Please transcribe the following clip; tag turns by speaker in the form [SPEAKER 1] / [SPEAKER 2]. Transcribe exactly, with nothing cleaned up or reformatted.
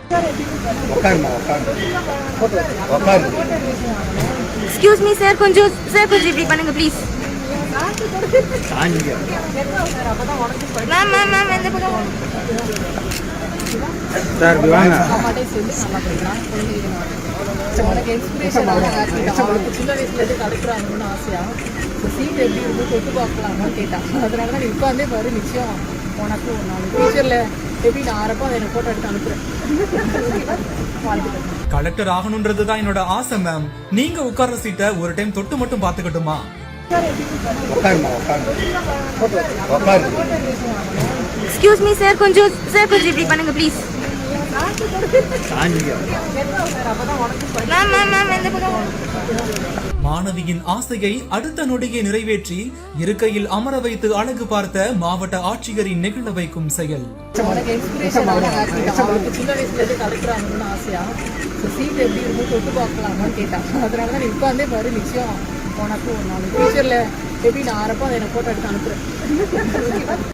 [SPEAKER 1] Excuse me sir, கொஞ்சம் sir கொஞ்சம் இப்படி பண்ணுங்க ப்ளீஸ். மேம் மேம் மேம் எந்த பக்கம்
[SPEAKER 2] சார் வாங்க.
[SPEAKER 3] அம்மாட்டே சொல்லி நல்லா படிக்கிறான். உனக்கு இன்ஸ்பிரேஷன் அவனுக்கு சின்ன வயசுலேருந்து கிடைக்கிறாங்கன்னு ஆசையா சீட் எப்படி இருக்கும் தொட்டு பார்க்கலாமான்னு கேட்டான். அதனால தான் நீ உட்காந்தே பாரு, நிச்சயம் உனக்கு ஒரு நாள் ஃபியூச்சரில் எப்படி நான் ஆறப்போ அதை எனக்கு ஃபோட்டோ எடுத்து அனுப்புகிறேன்.
[SPEAKER 4] கலெக்டர் ஆகணும்ன்றது தான் என்னோட ஆசை மேம். நீங்க உட்கார்ற சீட்டை ஒரு டைம் தொட்டு மட்டும் பாத்துக்கட்டுமா?
[SPEAKER 1] எக்ஸ்கியூஸ் மீ சார், கொஞ்சம் சார் கொஞ்சம் இப்படி பண்ணுங்க ப்ளீஸ். மேம் மேம் மேம் எந்த பக்கம்
[SPEAKER 4] மாணவியின் ஆசையை அடுத்த நொடியை நிறைவேற்றி இருக்கையில் அமர வைத்து அழகு பார்த்த மாவட்ட ஆட்சியரின் நெகிழ வைக்கும் செயல்.
[SPEAKER 3] உனக்கு இன்ஸ்பிரேஷன் அவனுக்கு சின்ன வயசுலேருந்து கிடைக்கிறாங்கன்னு ஆசையா சீட் எப்படி இருக்கும் தொட்டு பார்க்கலாமான்னு கேட்டான். அதனால தான் நீ உட்காந்தே பாரு, நிச்சயம் உனக்கு ஒரு நாள் ஃபியூச்சரில் எப்படி நான் ஆறப்போ அதை எனக்கு ஃபோட்டோ எடுத்து அனுப்புகிறேன்.